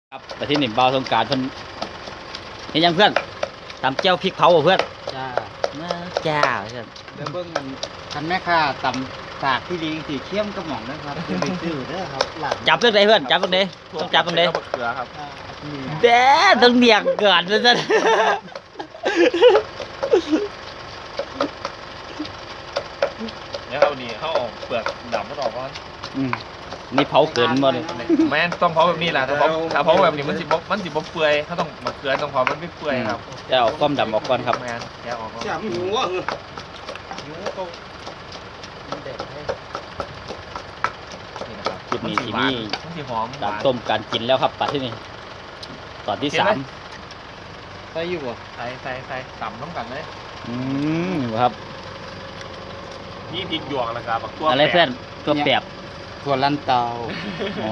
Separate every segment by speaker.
Speaker 1: ครับแต่ที่หนึ่งเบาสงกรานต์เพิ่นเห็นยังเพื่อนตำเจ้าพริกเผาบ่เพื่อน
Speaker 2: จ้า
Speaker 1: จ้าเพื่อน
Speaker 2: เดี๋ยวเบิ่งกันคันแม่ค้าตำสากที่ดีสีเข้มกระหม่อมนะครับจะไปซื้อเด้อครับหลัง
Speaker 1: จับเรื่องไหนเพื่อนจับเรื่องไหนต้องจับตรงไหน
Speaker 3: เกลือครับ
Speaker 2: นี่
Speaker 1: เด้ต้องเบียกเกิดเลยจ้ะ
Speaker 3: เดี๋ยวเอานี่เขาเอาเปลือกดำมันออกก่อน
Speaker 1: นี่เผาเกินบ่เลย
Speaker 3: แม่นต้องเผาแบบนี้แหละถ้าเผาแบบนี้มันสิบ่เปื่อยเขาต้องมาเกลือต้องเผามันไม่เปื่อยครับ
Speaker 1: จะเอาความดำออกก่อนครับ
Speaker 3: แม่นแกะออกก่อน
Speaker 2: จับหัวหัวก็มันเด็ดให้
Speaker 3: นี่นะครับ
Speaker 1: คลิปนี้ที่
Speaker 3: หวา
Speaker 1: นี่
Speaker 3: มันสิหอม
Speaker 1: ตามต้มการกินแล้วครับปัดที่นี่ตอนที่สาม
Speaker 2: ใส่อยู่บ่
Speaker 3: ใส่ต่ำน้ำกันเลย
Speaker 1: ครับ
Speaker 3: นี่พริกหยวกแล้วก็บักตัว
Speaker 1: อะไรเพื่อนตัวแปบ
Speaker 2: ถั่วลันเตา
Speaker 1: อ๋อ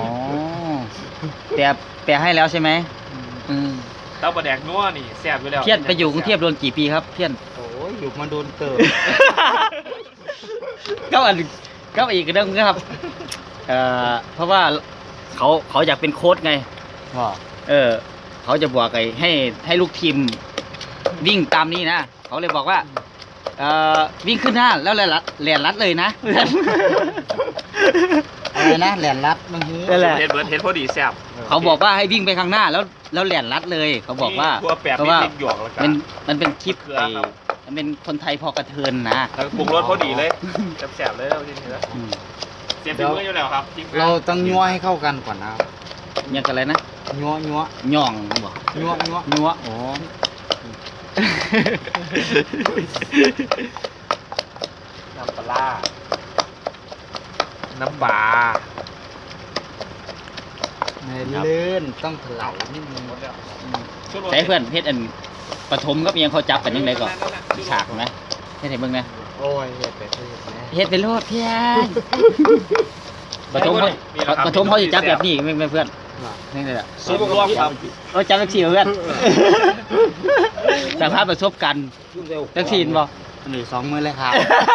Speaker 1: แปบให้แล้วใช่ไหม
Speaker 3: เต้าปลาแดกนัวนี่แซ่บอยู่แล้ว
Speaker 1: เพี้ยนไปอยู่กรุงเทพโดนกี่ปีครับเพี้ยน
Speaker 2: โอ้ยอยู่มาโดนเติบ
Speaker 1: ก็อีกเรื่องนะครับเพราะว่าเขาอยากเป็นโค้ชไง
Speaker 2: ว่า
Speaker 1: เขาจะบอกให้ลูกทีมวิ่งตามนี้นะเขาเลยบอกว่าวิ่งขึ้นหน้าแล้วแหลนรัดเลยนะ
Speaker 2: อะไรนะแหลนรัดมันหื้อ
Speaker 1: นั่นแหละ
Speaker 3: เห็ดเบิร์ดเห็ดพอดีแซ่บ
Speaker 1: เขาบอกว่าให้วิ่งไปข้างหน้าแล้วแหลนรัดเลย เขาบอกว่า
Speaker 3: ตัวแปบ
Speaker 1: เพราะ
Speaker 3: นี่
Speaker 1: ว่า
Speaker 3: พริกหยวกแล้วก็
Speaker 1: มันเป็นคลิป
Speaker 3: เกลือครับ
Speaker 1: มันเป็นคนไทยพอกระเทินนะ
Speaker 3: แล้วปรุงรสพอดีเลยแซ่บๆเลยแล้วทีนี้แล้ว
Speaker 1: อืม
Speaker 3: เสียบฝีมืออยู่แล้วครับจริงๆ
Speaker 2: เราต้องยัวให้เข้ากันก่อนนะครับ
Speaker 1: ยังกันอะไรนะ
Speaker 2: ยัว
Speaker 1: ย่องบอก
Speaker 2: ยัว
Speaker 1: นัวอ๋อ
Speaker 3: น้ำปลาร้าน้ำปลา
Speaker 2: ในลื่นต้องถลายนิดนึง
Speaker 1: ใช้เพื่อนเฮ็ดอันปฐมก็ยังเขาจับกันยังไงก่อนฉากไหมเฮ็ดให้เบิ่งนะ
Speaker 2: โอ้ยเฮ็ดไปเฮ็ดนะ
Speaker 1: เฮ็ดเป็นโลดเพียนปฐมเขาจะจับแบบนี้ไม่เพื่อน
Speaker 2: ว่า
Speaker 1: นี่เลยอ่ะ
Speaker 3: ซุปรวมครับ
Speaker 1: เราจับแบบสี่เพื่อนสารภาพประสบการณ์จังสี่บ่
Speaker 2: อันนี้2 มื้อเลยครับ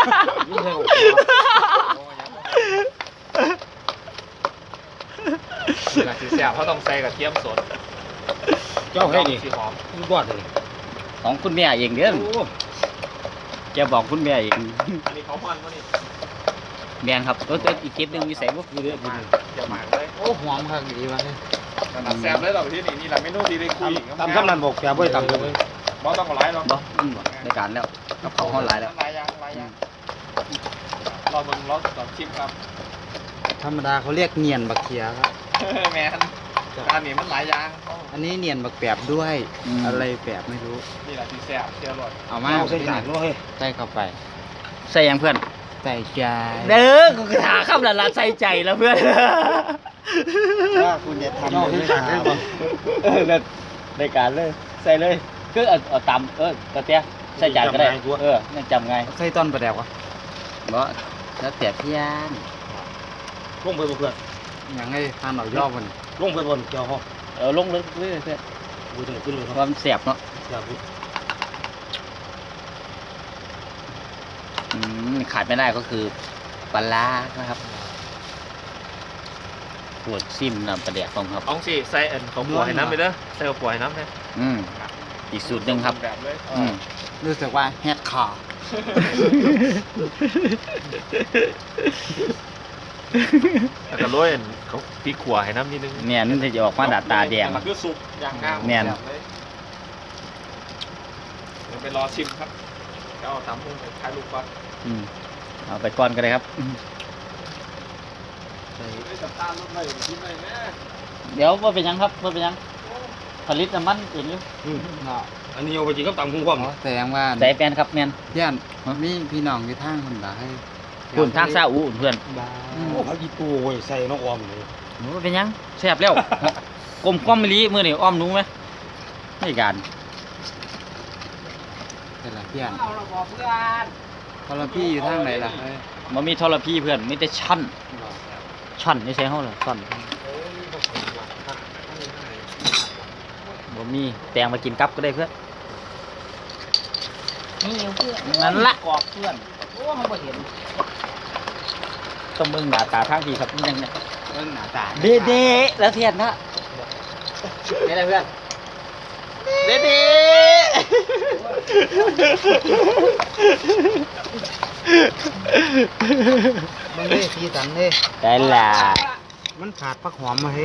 Speaker 3: หลังสีแซ่บเขาต้องใส่กระเทียมสด
Speaker 4: เจ้าให้ดิ
Speaker 3: สีหอม
Speaker 4: บอดเลย
Speaker 1: ของคุณแม่เองเด้อแกบอกคุณแม่เอง
Speaker 3: อันนี้เขามันวะนี่
Speaker 1: แม่นครับตัวอีกคลิปหนึงมีใส่บ่
Speaker 4: นี่เด้อ
Speaker 3: มาอย่าหมางเลย
Speaker 2: โอ้หอมครับดีวะเนี่ย
Speaker 3: ขนาดแซ่บเลยเราที่นี่นี่แหละเมนูดีเลยคุย
Speaker 4: ตำคำนั้นบอกแกบ่ได้ตำเลย
Speaker 3: บอต้องเอาไลฟ์หรอก
Speaker 1: บ่ในการแล้วกับเขาเฮาหลายแล้ว
Speaker 3: หลายอย่างรอเบิ่งรอตอบชิมครับ
Speaker 2: ธรรมดาเขาเรียกเนียนบักเขียครับ
Speaker 3: แมนอันนี้มันหลายอย่าง
Speaker 2: อันนี้เนียนบักแปบด้วย อะไรแปบไม่รู้
Speaker 3: นี่แหละที่แซ่บที่อร่อย
Speaker 2: เอามา
Speaker 4: เอาใส่จานเนาะเฮ้ย
Speaker 2: ใส่เข้าไป
Speaker 1: ใส่ยังเพื่อน
Speaker 2: ใส่ใจ
Speaker 1: เด้อกูถาคำละใส่ใจแล้วเพื่อน
Speaker 2: ว่าคุณจะทำอะไรไม่ทำ
Speaker 1: ในการเลยใส่เลยคือเอาตำกระเตี้ยใส่จานก็ได้นั่นจำไง
Speaker 2: ใส่ต้นประแดกวะ
Speaker 1: บ่แล้วแต่พี่ยาน
Speaker 4: ลงไปบ่เพื่อน
Speaker 2: อย่างไงทานหน่อยย่อมัน
Speaker 4: ลงไปบนเจ้าห้อง
Speaker 1: ลงเลยเพื่อน
Speaker 4: กูจะขึ้นเลยครับ
Speaker 1: ความเสียบเนาะ
Speaker 4: อย่าพูด
Speaker 1: ขาดไม่ได้ก็คือปลาร้านะครับปวดซิมน้ำปลาแดกของครับ
Speaker 3: เอาสิใส่อันของปัวให้น้ำไปเด้อใส่ของปัวให้น้ำเลย
Speaker 1: อีกสูตรหนึ่งครับ
Speaker 3: แบบเลย
Speaker 2: รู้สึกว่าแฮดคอร์
Speaker 3: แล้วก็โรยอันเขาพริกขัวให้น้ำนิดนึง
Speaker 1: เนี่ยนั่นจะออกมาดาตาแดง
Speaker 3: มันคือสุกอย่างงาม
Speaker 1: แม่น
Speaker 3: แบบเลยเดี๋ยวไปรอชิมครับจะเอาทำให้ถ่ายรูปก่อน
Speaker 1: เอาไปก่อนก็ได้ครับ
Speaker 3: ไม่จับตาลูกเลยชิมเลยแม่
Speaker 1: เดี๋ยวว่าเป็นยังครับว่าเป็นยังผลิตน้ำมันเองอยู่
Speaker 2: เนาะ
Speaker 4: อันนี้เอาไปกินกับตำคุ้งความ
Speaker 2: แสดงว่า
Speaker 1: ใส่แฟนครับแมน
Speaker 2: เพื่อนมีพี่น้องอยู่ทางคนละให้
Speaker 1: คุณทางซาอูเพื่อน
Speaker 2: บ้า
Speaker 4: โอ้เขาอีปูโอ้ยใส่น้องออมเลย
Speaker 1: หนูเป็นยังแซ่บแล้ว กลมกล้อมมะลิมือนี่อ้อมหนูไหมไม่การ
Speaker 2: เป็นไรเพื่อนพอเราพี่อยู่ทางไหนล่ะเฮ้ย
Speaker 1: มันมีทรพีเพื่อนมีแต่ชั่นนี่ใช่ห้องเหรอชั่นบ่มีแตงมากินกับก็ได้เพื่อนนี่เพื่อนนั่นละกรอบเพื่อนโอ้เขาบ่เห็นต้องเบิ่งหน้าตาทางทีครับนี่ยังเนี่ย
Speaker 2: เรื่องหน้าตา
Speaker 1: เด้แล้วเทียนนะไม่ได้เพื่อนเด็ด
Speaker 2: มันเลยสีสันเลย
Speaker 1: ได้ละ
Speaker 2: มันขาดผักหอมมาเฮ้ย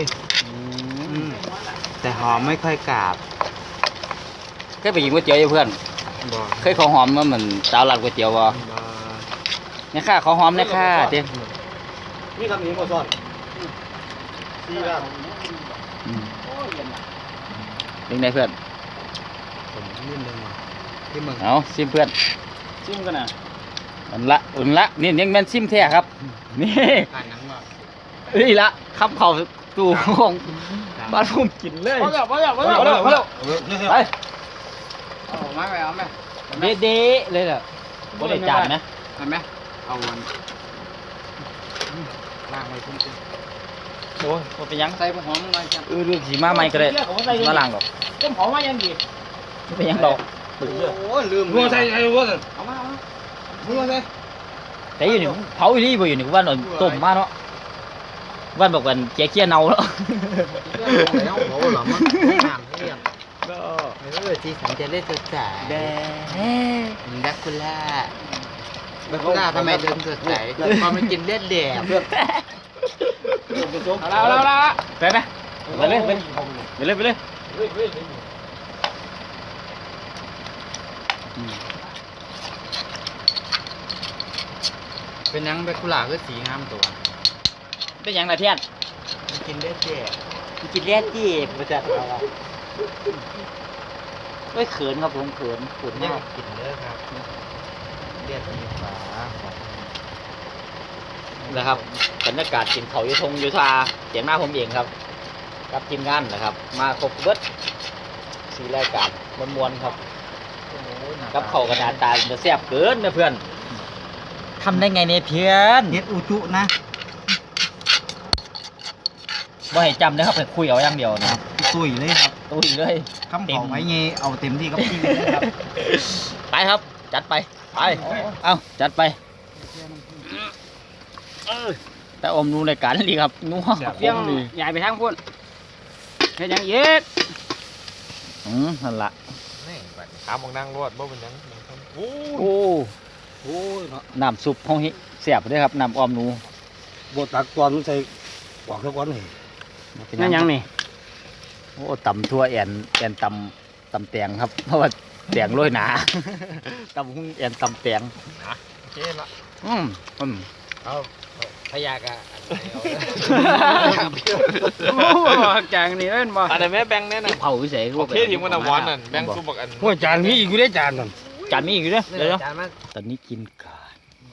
Speaker 2: แต่หอมไม่ค่อยกราบ
Speaker 1: เคยไปกินก๋วยเตี๋ยวอยู่เพื่อน
Speaker 2: บ่
Speaker 1: เคยขอหอมมาเหมือนสาวร้านก๋วยเตี๋ยวบ่เนี่ยค่ะขอหอมเนี่ยค่ะเตี้ย
Speaker 4: นี่ทำนี้มาซ่อนซีร่าง
Speaker 1: เป็นไงเพื่อน
Speaker 2: ผมนิดนึงว่ะที่มึง
Speaker 1: เอาซิมเพื่อนซิมกันนะอุ่นละนี่ยังแม่นซิมแท้ครับนี่
Speaker 2: การน้ำว่า
Speaker 1: นี่ละคำเขาตู้ของบ้านผมกินเลยไป
Speaker 2: เอาไม้ไปเอาไหม
Speaker 1: เด้ๆเลยล่ะบ่ได้จานนะ
Speaker 2: เอาไหมเอาวันล่างไว้คุ้ม
Speaker 1: โอ้ยบ่เป็นหยัง
Speaker 2: ใส่ผักหอมหน่อยจ้ะ
Speaker 1: เรื่องสีมาใหม่ก็ได้มาล้างดอก
Speaker 5: ต้มหอมมายังดี
Speaker 1: บ่เป็นหยังดอก
Speaker 2: โอ้ลืม
Speaker 4: หัวใส่ไอ้หัวใส่
Speaker 2: เอามาหัวใส่
Speaker 1: แต่อยู่นี่เผาอีหลีบ่อยู่นี่ว่าเอาต้มมาเนาะว่านบอกว่าแกเคี้ยเน่าแล้ว
Speaker 2: แล้วโอ้หรอมันน้ำเรียบสีสันจะเล่นสดใสดักคุล่าดักคุล่าทำไมเดินสดใสพอมันกินเลือดแดง
Speaker 5: เอาละ
Speaker 1: ไปไหมไปเลยไปเลยอืม
Speaker 2: เป็นยังดักคุล่าคือสีงามตัว
Speaker 1: เป็นหยังล่ะเทียน
Speaker 2: มันกินเลือดแดง
Speaker 1: กินเลียดจีบมาจัดเอาอะไม่เขินครับผมเขินขุน
Speaker 2: นี่
Speaker 1: มาก
Speaker 2: กินเลือดครับเลือดมีฝา
Speaker 1: นะครับบรรยากาศกินเขาวอยู่ทงอยู่ทาเสียงหน้าผมเองครับกับทีมงานนะครับ มาครบเบิดสีรายการมวนๆครับกับเขาวกระดาษตาจะแซ่บเกินนะเพื่อนทำได้ไงเนี่ยเพื่อน
Speaker 2: เฮ็ดอุจุนะ
Speaker 1: บ่ให้จำนะครับไปคุยเอาอย่างเดียวนะครับ
Speaker 2: ตุยเลยครับ
Speaker 1: ตุ้ยเลย
Speaker 2: คำเขาไว้เงี้เอาเต็มที่กับพี่เลยครับ
Speaker 1: ไปครับ จัดไปเอาจัดไปแต่อมนูในการดีครับนัว
Speaker 5: เฟี้ยง
Speaker 1: ดี
Speaker 5: ใหญ่ไปทางพุ่นเฮ็ดหยังเย็ด
Speaker 1: นั่นละ
Speaker 3: ถามมองนั่งรวดบ่เป็นหยังโอ้
Speaker 1: โอ้โหน้ำซุปห้องฮิเสียบด้วยครับน้ำออมหนู
Speaker 4: บดตักก่อนใส่กวากสักวันนี่
Speaker 1: เป็น
Speaker 5: นั่นหยังนี่
Speaker 1: โอ้ตำทั่วแอนตำแตงครับ เพราะว่าแตงโรยหนา ตำหุ้งแอนตำแตง
Speaker 3: โอเคละ
Speaker 1: อืม
Speaker 2: เอาพยากะ
Speaker 5: โอ้จางนี่เล่นบ่
Speaker 3: อันนั้นแม่แบงค์แน่น่ะ
Speaker 1: เผาวิเศษ
Speaker 3: โอเคทีมมันน่ะหวานนั่นแบงค์ซุปบักอัน
Speaker 4: หัวจานนี้อีกอยู่ได้จานนั่น
Speaker 1: จานนี้อีกด้วยเดี๋ยว
Speaker 2: จานมา
Speaker 1: ตอนนี้กินกาด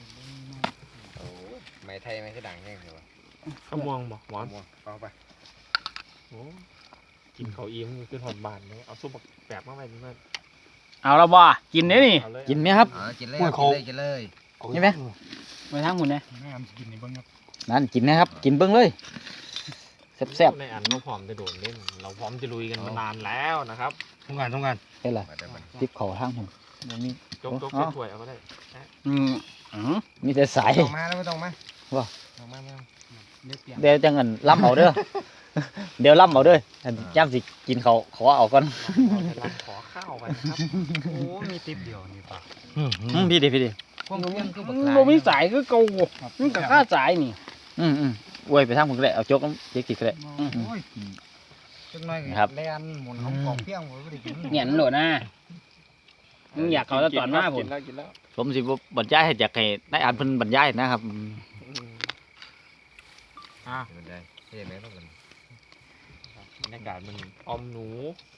Speaker 2: ไหมไทยไหมคือดังแน่เลยวะ
Speaker 3: ข้าวม่วงบ่หวาน
Speaker 2: เอาไป
Speaker 3: โอ้กินข้าวอิ่มขึ้นหอมบานเลยเอาซุปบักแปบมาไว้นี่มัน
Speaker 5: เอาละบ่กินเด้นี่
Speaker 3: เอาเลย
Speaker 1: กินไหมครับ
Speaker 2: กินเลยกินเลย
Speaker 1: นี่ไหม
Speaker 5: ไปทางพุ่นนะ
Speaker 1: นั่นกินนะครับ กินเบิ้งเลยแซ่บ
Speaker 3: ในอันเราพร้อมจะโดดเล่นเราพร้อมจะลุยกันมานานแล้วนะครับ
Speaker 4: ทำงาน
Speaker 1: ๆเป็นไรติบเข่าทางผมบ่มี
Speaker 3: จก
Speaker 1: อ๋อ
Speaker 3: ถ้วยเอาก็ได้
Speaker 5: อืม
Speaker 1: มีแต่สาย
Speaker 2: ต้องมาแล้วไม่ต้องมา
Speaker 1: ว่า
Speaker 2: ต้องมา
Speaker 1: เดี๋ยวจังเงินล่ำเอาเด้อ เดี๋ยวล่ำเอาเด้อย่ำสิกินเขาขอเอาก่อน
Speaker 3: เราขอข้าวกันครับ
Speaker 2: โอ้มีติปเดียวนี่ป่ะ
Speaker 1: พี่ดิ
Speaker 2: พวกนี้คือ
Speaker 5: มันบ่มีสายคือเก่ามันก็ค่าสายนี่
Speaker 1: อวยไปทางผมก็ได้เอาโจ๊กน้ำเจ๊กินก็ได้
Speaker 2: จังหน่อย
Speaker 1: ครับ
Speaker 2: แลนหมุนของกองเพียงผมไม่ได้กิน
Speaker 5: เนี่ยนั่นโดดนะมึงอยากเขาแล้วตอนมาพุ่น
Speaker 3: กินแล้ว
Speaker 1: ผมสิบ่บรรยายให้อยากให้นายอ่านเพิ่นบรรยายนะครับ
Speaker 2: ได้เห็นไหมต้องกัน
Speaker 3: บรรยากาศมันออมหนู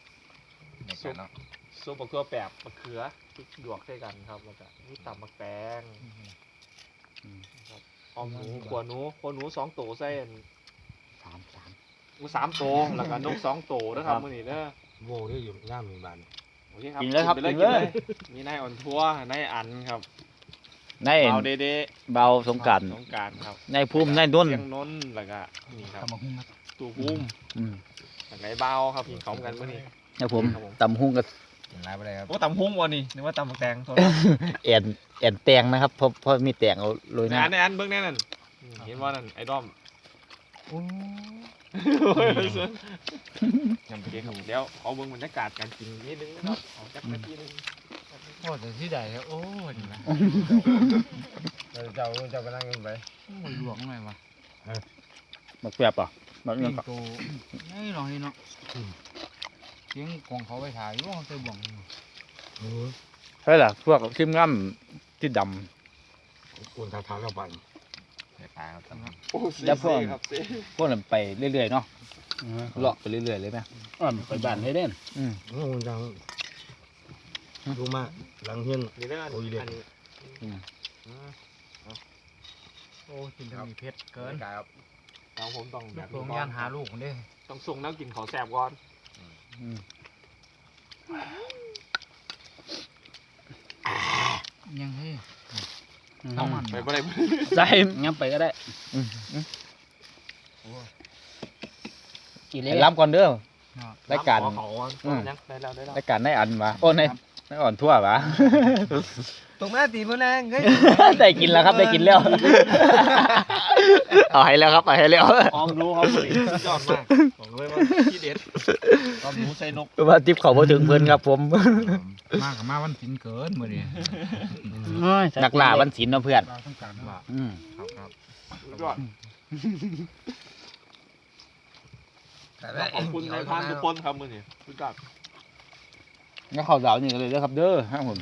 Speaker 3: ซุปบักตัวแปบมะเขือพริกหยวกใส่กันครับแล้วก็นี่ตำมะแตงครับออมหนูขัวหนู2 ตัวใส่หมู3 ตัวแล้วก็นก2 ตัวนะครับมื้อนี้เด้อ
Speaker 4: โว้ได้อยู่ย่ามมีบาน
Speaker 3: โอเคครับ
Speaker 1: กินเลยครับ
Speaker 3: ไป
Speaker 1: กินเลย
Speaker 3: มีนายอ่อนทัวร์นายอันครับ
Speaker 1: นาย
Speaker 3: เบาเด้
Speaker 1: เบาสงกราร
Speaker 3: สงกรารครับ
Speaker 1: นายภูมินายนุ่น
Speaker 3: เสียงนนท์แล้วก็นี่ครับตู่ภูมิ
Speaker 1: อืม
Speaker 3: แล้วก็ไอ้เบาครับกินของกันมื้อนี้
Speaker 1: นะผม
Speaker 3: ครับผม
Speaker 1: ตำหุ้งกับ
Speaker 2: กินไรไปเลยครับ
Speaker 3: โอ้ตำหุ้งวันนี้นึกว่าตำบักแตงโทษ
Speaker 1: แอนแตงนะครับเพราะมีแตงเอาโรยห
Speaker 3: ใน
Speaker 1: น้า
Speaker 3: อันเบิ่งแน่นั่นเห็นว่านั่นไอ้ด้อมยำเค้กครับเดี๋ยวเอาเบิ่งบรรยากาศการกินนิดนึงนะครับเอาจักนาทีนึง
Speaker 2: โอ้แต่ที่ใดแล้วโอ้ยนะ
Speaker 4: เจ้ากำลังกันไป
Speaker 2: มันหลวงหน่อยวะ
Speaker 5: บักแป๊บอ่ะบัก
Speaker 2: ปิ่
Speaker 5: ยัง
Speaker 2: ง
Speaker 5: ก็
Speaker 2: โตนี่ลองนี่เนาะเสียงของเขาไปถ่ายว่าเขาเตะบ่วง
Speaker 5: ใช่ล่ะพวกทีมงานที่ด
Speaker 4: อุ่นทางเท้าเราปั่น
Speaker 2: ตายครับตำรวจ
Speaker 3: โอ้
Speaker 5: ำแล้วพวก
Speaker 3: ครับเซ่
Speaker 5: พวกนั้นไปเรื่อยๆเนาะเลาะไปเรื่อยๆเลยไหม
Speaker 6: ไปบ้านให้เด่น
Speaker 4: อุ่นทางดูมาหลังเฮียน
Speaker 3: นี่เด้อ
Speaker 4: โอ้ยเด็ด
Speaker 3: อันนี้
Speaker 2: โอ้กินทำมีเพชรเกิน
Speaker 4: ครับ
Speaker 3: น้องผมต้องแบบ
Speaker 2: โรงงานหาลูกคนเด้
Speaker 3: ต้องส่งน้ำกินขอแสบก่อน
Speaker 2: ยังให้
Speaker 6: เอา
Speaker 2: มัน
Speaker 3: ไปบ่ได้
Speaker 5: ใส่
Speaker 6: งั้นไปก็ได้กี่เล่
Speaker 5: ให้ล้ำก่อนเด้อรายการ
Speaker 3: ขอเขาก่อนยังได้แล้ว
Speaker 5: รายการในอันวะโอ้ในอ่อนทั่ววะ
Speaker 2: ตรงแม่ตีมือแรงเฮ้ย
Speaker 5: ได้กินแล้วครับได้กินแล้ว เอาให้แล้วครับเอาให้แล้ว
Speaker 6: ออมรู้ครับ
Speaker 3: ยอดมากบอกเลยว่าที่เด็ดตอนหมูใส่นก
Speaker 5: ว่าทิปเขาพอถึงเพื่อนครับผม
Speaker 2: มากกับมาวันสินเกินมือดิ
Speaker 5: นักล่าวันศิลป์เนาะเพื่อน
Speaker 2: เราต้องการว่า
Speaker 5: อืม
Speaker 2: ครับ
Speaker 3: ยอดขอบคุณนายพรานทุกคนครับมือนี่สุดยอด
Speaker 5: งั้นข้าวดาวนี่กันเลยเด้อครับเด้อครับผม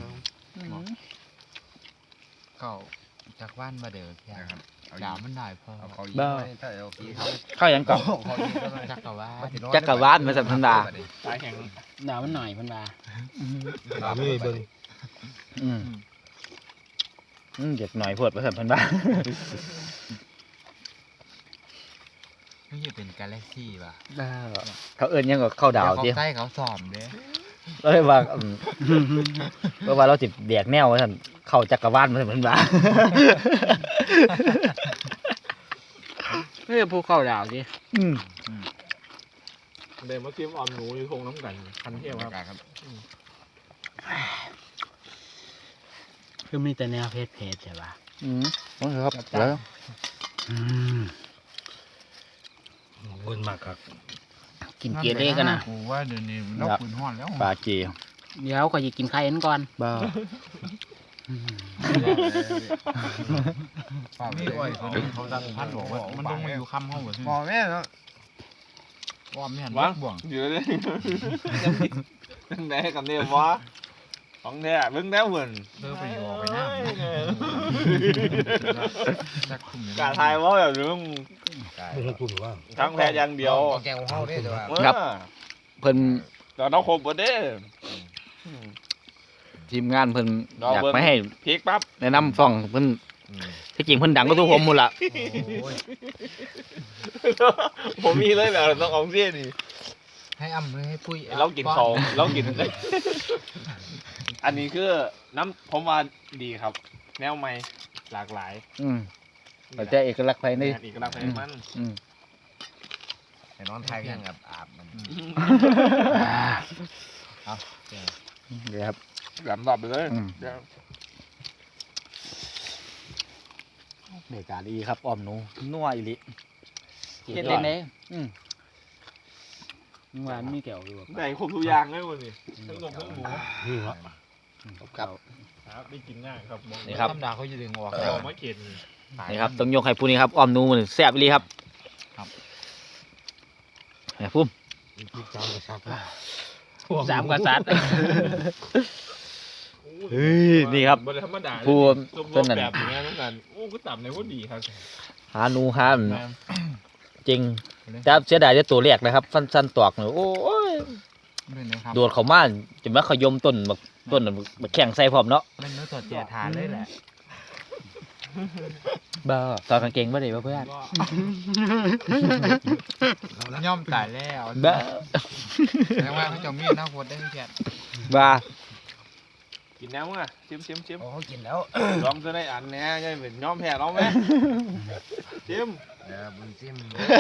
Speaker 2: เขาจากบ้านมาเด้อแค่ดาวมันได้พอ
Speaker 5: บ้า
Speaker 4: ถ้าเอาขี้
Speaker 5: ข้าวหยังก่อน
Speaker 2: จักรวาล
Speaker 5: จักรวาลมาสัมพันดา
Speaker 3: สายแห่ง
Speaker 6: หนาวมันหน่อยเพันมา
Speaker 4: ถามไม่เบิ่ง
Speaker 5: เด็กหน่อยพวดมาสัมพันดา
Speaker 2: ไม่ใช่เป็นกาแล็กซี่ป่ะ
Speaker 5: เขาเอิ้นหยังกับข้าวดาว
Speaker 2: เขา
Speaker 5: สิ
Speaker 2: ใต้เขาสอมเด้
Speaker 5: เราเลยว่าเพราะว่าเราสิแดกแนวว่าท่านเข้าจักรวาลมาสัมพันดา
Speaker 6: เฮ้ยภูเขาดาวสิ
Speaker 3: เดินมาเทียมออมหนูอยู่ทงน้ำกันคันเที่ยวครับ
Speaker 6: คือมีแต่แนวเพจใช่ป่ะ
Speaker 5: ครับแล้ว
Speaker 4: เบิ่งมากครับ
Speaker 6: กินเกี๊ยวเล่กันนะ
Speaker 2: กูว่าเดี๋ยวนี้เราปืนห้อนแล้ว
Speaker 5: ปลาเกี
Speaker 6: เดี๋ยวก็จะกินไข่เอ็นก่อน
Speaker 5: บ้า
Speaker 2: นี่อ้อยเขาดังพัดบอกว่ามันต้องมาอยู่คำห้องหัวบอกแม่เนาะว่าไม่หันบ่วง
Speaker 3: อยู่เลยตั้งแต่กับเนี่ยวะของเนี่ยเบิ่งแล้วเหมือน
Speaker 2: เลิกไปอยู่ออกไปหน้าจักคุม
Speaker 3: กาทายว่าแบบนึง
Speaker 4: ไม่ใช่ปุ่นว่า
Speaker 3: ทั้งแพ้อย่างเดียว
Speaker 2: แกงห้องได้แต่ว่า
Speaker 5: เพิ่น
Speaker 3: เราต้องครบหมดเด้
Speaker 5: ทีมงานเพิ่น
Speaker 3: รอ
Speaker 5: อยาก
Speaker 3: เบิ่ง
Speaker 5: ไปให้
Speaker 3: พริกปั๊บ
Speaker 5: แนะนำซ่องเพิ่นที่จริงเพิ่นดังก็ทุกผมหมดละ
Speaker 3: ผมมีเลยแบบต้องเอาเสี้ยนี่
Speaker 2: ให้อ้ำให้ปุ้ย
Speaker 3: เรากินของเรากิน อันนี้คือน้ำผมว่าดีครับ แนวใหม่หลากหลาย
Speaker 5: แต่จะเอกลักษณ์ภายใน
Speaker 3: อีกลักษณ์มัน
Speaker 2: ไอ้น้องไทยยังแบบอาบมัน
Speaker 5: เดี๋ยวครับ
Speaker 3: หลำดับไปเลย
Speaker 5: เด็กาดีครับอ้อมหนูนัวอีหลิ
Speaker 6: เฮ็ดเล่นได้หวานมีแก้วอยู่
Speaker 3: ได้ครบทุกอย่างเลยวันนี้ทั้งนมทั้งหมู
Speaker 4: นี่วะ
Speaker 5: ครับ
Speaker 3: ครับได้กินง่ายครับ
Speaker 5: นี่ครับ
Speaker 2: ธรรมดาเขาจะดึงออก
Speaker 3: เราไม่เก็น
Speaker 5: นี่ครับต้องยกให้ผู้นี้ครับอ้อมหนูมันแซ่บอีหลีครับไอ้พุ่ม
Speaker 4: พี่จามกระชับ
Speaker 6: สามกษัตริย์
Speaker 5: เฮ้ยนี่ครับ
Speaker 3: บริธรรมดา
Speaker 5: ผู้
Speaker 3: ต้
Speaker 5: ต้
Speaker 3: น
Speaker 5: นนั้น
Speaker 3: แบบอย่างนี้ต้องการโอ้ก็ต่ำในพวกดีครับ
Speaker 5: หาหนูหาจริงแต่เสียดายแต่ตัวแรกนะครับสั้นๆตอกเนี่ยโอ้ย
Speaker 2: ด้วยนะครับ
Speaker 5: โดดเข้ามาจะมาขยมต้นต้นมาแข่งใส่พร้อมเนาะ
Speaker 2: เป็นเนื้อสดเจียทานเลยแหละ
Speaker 5: บ้าตอนกางเกงบ่ได้บ่เพื่อน
Speaker 2: ย่อมตายแล้ว
Speaker 5: บ้า
Speaker 2: แสดงว่าเขาจะมีหน้าโคตรได้แค่
Speaker 5: บ้า
Speaker 3: กินแล้วมั้งชิม
Speaker 2: โอ้กินแล้ว
Speaker 3: ลองจะได้อันเนี้ยยังเป็นย้อมแพ้เราไหมชิม
Speaker 2: บุญซิม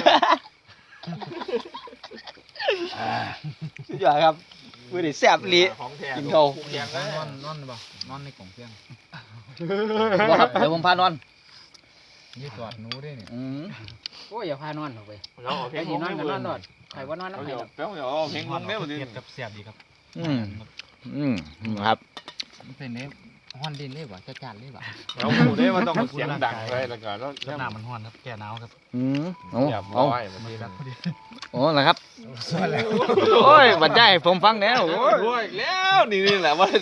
Speaker 5: สุดยอดครับมื้อนี้แซ่บอีหลี
Speaker 3: ของแท้
Speaker 5: กินเขา
Speaker 3: แข็งเลย
Speaker 2: นอนบ่นอนในกล่องเพียง
Speaker 5: บ่ครับเดี๋ยวผมพานอน
Speaker 2: ยี่สอดหนูด้วยเนี่ย
Speaker 6: โอ้ยอย่าพานอนออกไป
Speaker 3: เราเอาเพล
Speaker 6: ไอ้
Speaker 3: ง
Speaker 6: ที่นอน
Speaker 3: ให้
Speaker 6: ก็
Speaker 3: เบิ่
Speaker 6: นอง นนอนใครว่านอนน้ำ
Speaker 3: เรา
Speaker 6: ไหน
Speaker 3: เดี๋ยวเอาเพลงลงได้บ่ดิ
Speaker 4: เก็บกับเสียบดีครับ
Speaker 5: ครับ
Speaker 2: เป็นเนี้ยฮอนดินเลยบ่จัดเลยบ่
Speaker 3: เราหูได้ว่าต้องเสียงดังเลยแล้วก็แล้ว
Speaker 4: กับน้ำมันร้อนครับแก้หนาวครับ
Speaker 5: โอ้
Speaker 3: อย่า
Speaker 5: โอ้
Speaker 3: บ่อยบางทีนะ
Speaker 5: โอ้นะครับโอ้ยบรรยายให้ผมฟังแล้วโอ้ย
Speaker 3: โอ้ยแล้วนี่แหละว่า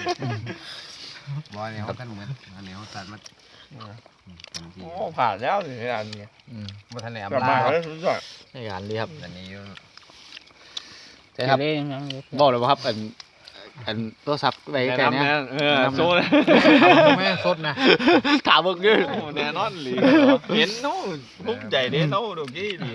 Speaker 2: บ่เนี่ยเขากันเหมือนอันนี้เขาตัดมา
Speaker 3: โอ้ผ่านแล้วนี่อันนี้
Speaker 2: บ่ทันแหลม
Speaker 3: กลับมาแล้วสุดยอด
Speaker 5: ในการดีครับ
Speaker 2: อันนี้อยู่
Speaker 5: ใช่ครับ
Speaker 6: เล่น
Speaker 5: บอกเลยว่าครับอันโทรศัพท์ไปไกลเนี่ย
Speaker 3: โซ่เลย
Speaker 2: ไม่สดนะ
Speaker 5: ถามเมื่อกี้
Speaker 3: แน่นอนหลีเห็นนู้นภูมิใจเด้นู้นดูกี้ดี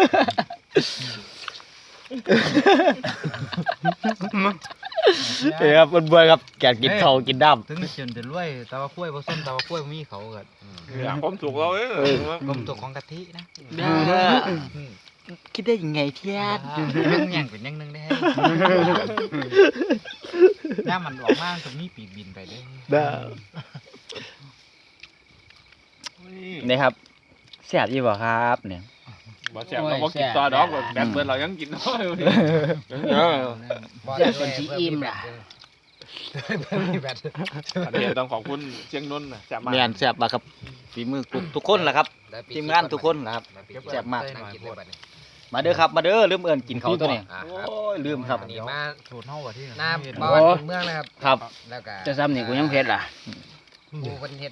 Speaker 5: เฮ้ยครับเบื่อๆครับแกกินข้าวกินน้ำ
Speaker 2: ถึงจนจะรวยแต่ว่าคุ้ยบ่ส้มแต่ว่าคุ้ยมีเขาก็
Speaker 3: อยากความสุขเราเอ้ย
Speaker 2: กลมตัวของกะทินะ
Speaker 5: คิดได้ยังไงเทียด
Speaker 2: ยังอย่างเป็นยังนึงได้ย่ามันออกมาตรงนี้ปีกบินไปได้
Speaker 5: นี่ครับแซ่บยี่บ่ครับเนี่ย
Speaker 3: บ่แซ่บเราบ่กินต่อดอกแบบเบิดเรายังกินน้อยอยู่
Speaker 6: อยากเป็นชีอิ่มล่ะ
Speaker 3: อันนี้ต้องขอบคุณเชียงนนท์นะแซ่บมาก
Speaker 5: เนียนแซ่บมากครับฝีมือทุกคนแหละครับทีมงานทุกคนนะครับแซ่บมากมาเด้อครับมาเด้อลืมเอิ้นกินเขาวตัวนี้โอ้ยลืมครับ
Speaker 2: นี่มาสูตรเฮาว่าที่
Speaker 7: น้ำบอนเมืองนะครับ
Speaker 5: ครับ
Speaker 7: แล้วก็
Speaker 6: จะซ้ำนี่กูยังเพชรล่ะ
Speaker 7: ผู้คนเฮ็ด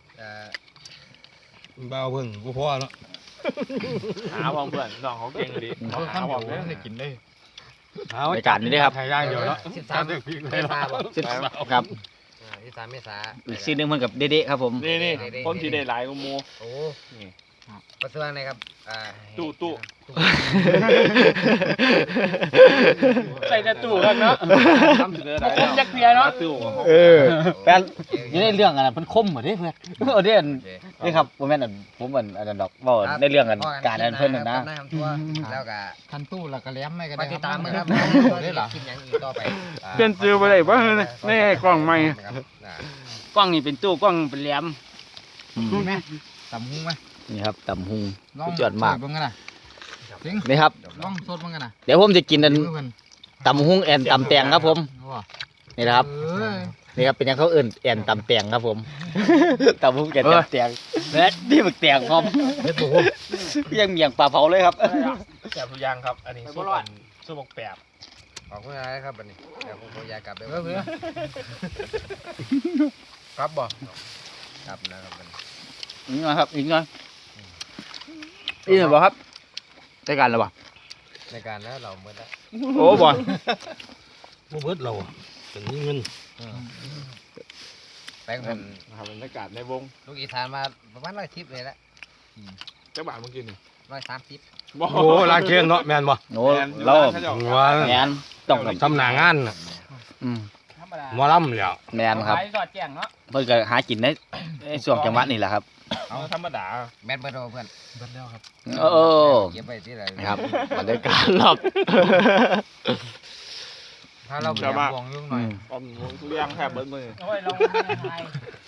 Speaker 4: เบาเพิ่งกูพ่อเนาะ
Speaker 3: หาพ่อเพื่อนน้องเขาเก่งดีเขาหาพ่อเพื่อน
Speaker 2: ได้กินเลย
Speaker 5: รายการนี้ด้วยครับ
Speaker 4: ไทยย่างเดียวเนาะ
Speaker 7: 13เมษาบ่
Speaker 5: ครับ
Speaker 7: 13เมษา
Speaker 5: อีกซีหนึงเพิ่นกับเด็ๆครับผม
Speaker 3: นี่คนที่ได้หลายกว่าหมู
Speaker 7: โอ้
Speaker 3: นี่
Speaker 7: ประสวงนะครับ
Speaker 3: ตู้
Speaker 6: ใส่แต่ตู้กันเนาะ
Speaker 3: ทำเสนอได้
Speaker 6: จักเพียเนาะ
Speaker 3: ตู้
Speaker 5: แฟนอยู่ในเรื่องอันนั้นเพิ่นคมเหมือนเด้เพื่อนเอาเด้นี่ครับบ่แม่นอันผมอันนั้นดอกเว้าในเรื่องอันการอันเพิ่นน่ะนะ
Speaker 7: แล้วก็
Speaker 2: คันตู้แล้วก็แหลมไม่ก็
Speaker 7: มา
Speaker 2: ได้
Speaker 7: ติดตามนะครับ
Speaker 2: ได้หรอ
Speaker 7: คลิปหยังอีกต่อไป
Speaker 6: เปลี่ยนซื้อไปเลยบ่ในกล้องใหม่
Speaker 7: นะครับ
Speaker 6: กล้องนี่เป็นตู้กล้องเป็นแหลม
Speaker 2: แม่ตำหุ้งไหม
Speaker 5: นี่ครับตำหุง
Speaker 2: ลอง
Speaker 5: สุดยอดมาก
Speaker 2: เบิ่งกันนะจริง
Speaker 5: นี่ครับ
Speaker 2: ลองสดเบิ่งกันนะ
Speaker 5: เดี๋ยวผมจะกินอัน
Speaker 2: เพิ่น
Speaker 5: ตำหุงแอนตำแตงครับผม
Speaker 2: ว่า
Speaker 5: นี่นะครับ
Speaker 2: เอ้ย
Speaker 5: นี่ครับเป็นยังเขาเอิ่นแอนตำแตงครับผม ตำหุงแอนตำแตงและนี่มึกแตงพร้อมยังเมียงปลาเผาเลยครับ
Speaker 3: แซ่บทุกอย่างครับ อันนี้ส้มแปบ
Speaker 7: ขอบคุณอะไรครับบัดนี้เดี๋ยวผมขออยากกลับเด้
Speaker 2: เออเพื่อ
Speaker 7: ครับบ่ครับนะครับบัดนี้
Speaker 5: อีกหน่อยครับอีกหน่อยอีกหน่อยบ่ครับได้การแล้วบ่
Speaker 7: ในการแล้วเราเมื่อได้
Speaker 5: โอ้บ่
Speaker 4: บ่เบิดเราอะเป็นเงิน
Speaker 7: แป้งผม
Speaker 3: นะครับบรรยากาศในวง
Speaker 7: ลูกอีสานมาประมาณ110เลยละ
Speaker 3: เจ้าบ่าวเมื่อกี้นี่
Speaker 7: 130
Speaker 3: บ่
Speaker 4: โอ้ลากเชียงเนาะแม่นบ่
Speaker 5: โอ้เรา
Speaker 4: ว่า
Speaker 5: แมนต้องกับ
Speaker 4: ทำหน้างานน่ะ
Speaker 5: อืม
Speaker 6: ธรรมดา
Speaker 4: หมอลำแล้ว
Speaker 5: แมนครับ
Speaker 6: ขายสอดแจ้งเนาะ
Speaker 5: เพิ่นก็หากินในช่วงจังหวะนี่แหละครับ
Speaker 3: เอาธรรมดา
Speaker 7: แม่นเบิดเอาเพื่อน
Speaker 2: เบิ่งแล้วครับ
Speaker 5: โอ้
Speaker 7: เก็บไว้ที่ไหน
Speaker 5: ครับบรรยากาศรอบ
Speaker 2: ถ้าเราเบิ่งวงยุ่งหน่อย
Speaker 3: อมทุกอย่างแทบเบิดมือ
Speaker 6: โอ้ยลองไม่ได้ทาย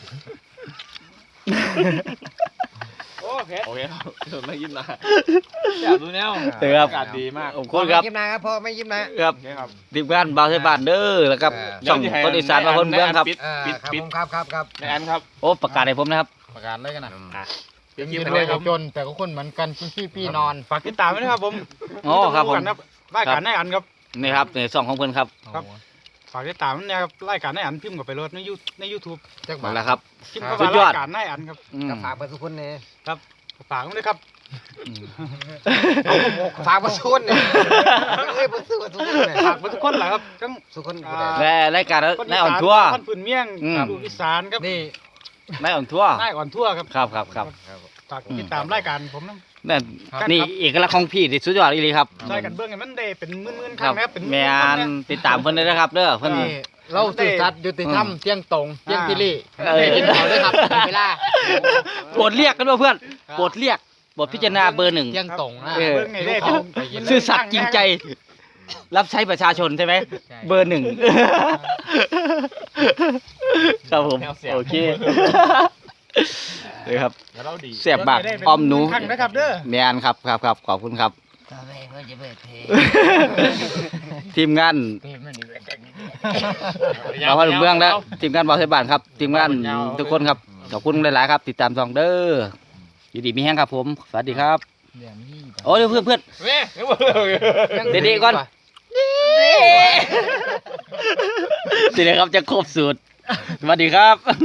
Speaker 3: โอเคครับเดี๋ยวไม่ยิ้มนะอยากดูแนว
Speaker 5: เด้อครับ
Speaker 3: อากาศดีมาก
Speaker 5: ขอบคุณครับ
Speaker 7: ไม่ยิ้มนะครับพ่อไม่ยิ้มนะครับ
Speaker 3: โอเคครับ
Speaker 5: ทีมงานบาวไทยบ้านเด้อแล้วครับช่องคนอีสานมาคนเมืองครับ
Speaker 3: ปิด
Speaker 7: ครับผมครับ
Speaker 3: ในอันครับ
Speaker 5: โอ้ประกาศให้ผมนะครับ
Speaker 2: ประกาศเลยกันนะ
Speaker 3: ปิดคลิ
Speaker 2: กิ
Speaker 3: ป
Speaker 2: น
Speaker 3: ไป
Speaker 2: ด้
Speaker 3: เล
Speaker 2: วย
Speaker 3: ยครับ
Speaker 2: จนแต่ก็คนเหมือนกันพี่นอน
Speaker 4: ฝากติดตามไว้นะครับผม
Speaker 5: อ๋อครับผม
Speaker 4: รายการในอันครับ
Speaker 5: นี่ครับในช่องของเพิ่นครับ
Speaker 4: ครับ ฝากติดตามเนี่ยครับรายการในอันพิมพ์กับไปรถใน YouTube
Speaker 2: จัก
Speaker 5: นั่
Speaker 2: บาน ท
Speaker 5: แหละครับ
Speaker 4: พิมพ์กับ
Speaker 5: สุ
Speaker 4: ว่า
Speaker 5: ดยอด
Speaker 4: รายการในอันครับ
Speaker 5: อืม
Speaker 7: กับฝากไปทุกคนเนี่ย
Speaker 4: ฝากไว้ด้วยครับ
Speaker 7: ฝากไปทุกคนเนี่ยเอ้ยไปซื้อมาทุกคนเนี่ย
Speaker 4: ฝากไว้ทุกคนแหละครับทั้ง
Speaker 7: ทุกคน
Speaker 5: และรายการ
Speaker 4: คน
Speaker 5: นายอ่อนทั่ว
Speaker 4: คนพื้นเมี่ยง
Speaker 5: อืม
Speaker 4: ลูกอีสานครับ
Speaker 2: นี่
Speaker 5: นายอ่อนทั่วน
Speaker 4: ายอ่อนทั่วครับ
Speaker 5: ครับ
Speaker 4: ฝากติดตามรายการผมนะ
Speaker 5: นั่นนี่เอกลักษณ์ของพี่ที่สุดยอดอีหลีครับ
Speaker 4: รายการเบื้องไงมันได้เป็นหมื่นๆค
Speaker 5: ค
Speaker 4: รั้
Speaker 5: รั
Speaker 4: งนะครับเป็นห
Speaker 5: แม
Speaker 4: มื่นๆครั้
Speaker 5: น
Speaker 4: งนะ
Speaker 5: ติดตามเพิ่นได้นะครับเด้อเพิ่น
Speaker 2: นี่เราสื่อสัตย์ยุติธรรมเที่ยงตรงเที่ยงพิรี่
Speaker 5: เออ
Speaker 2: กินเขาด้วยครับเวลา
Speaker 5: โปรดเรียกกันว่าเพื่อนโปรดเรียกบทพิจารณาเบอร์หนึ่ง
Speaker 2: เที่ยงตรงนะ
Speaker 5: เออ
Speaker 4: เบื้องไงได้
Speaker 5: ซื่อสัตย์จริงใจ รับใช้ประชาชนใช่ไหมเบอร์หนึ่งครับผมโอเคเลยครับ
Speaker 3: แล้วเราดี
Speaker 5: แซ่บมากอ้อมหนู
Speaker 3: ครั้งนะครับเด้อ
Speaker 5: แมนครับขอบคุณครับ
Speaker 2: ต่อไปเขาจะเปิดเพลง
Speaker 5: ทีมงานเราพาเมืองแล้วทีมงานบอลไทยบ้านครับทีมงานทุกคนครับขอบคุณหลายๆครับติดตามซองเด้ออยู่ดีมีแห้งครับผมสวัสดีครับโอ้ยเพื่อน
Speaker 3: แม่
Speaker 5: เด็กๆก่อนสิเลยครับจะครบสูตรสวัสดีครับ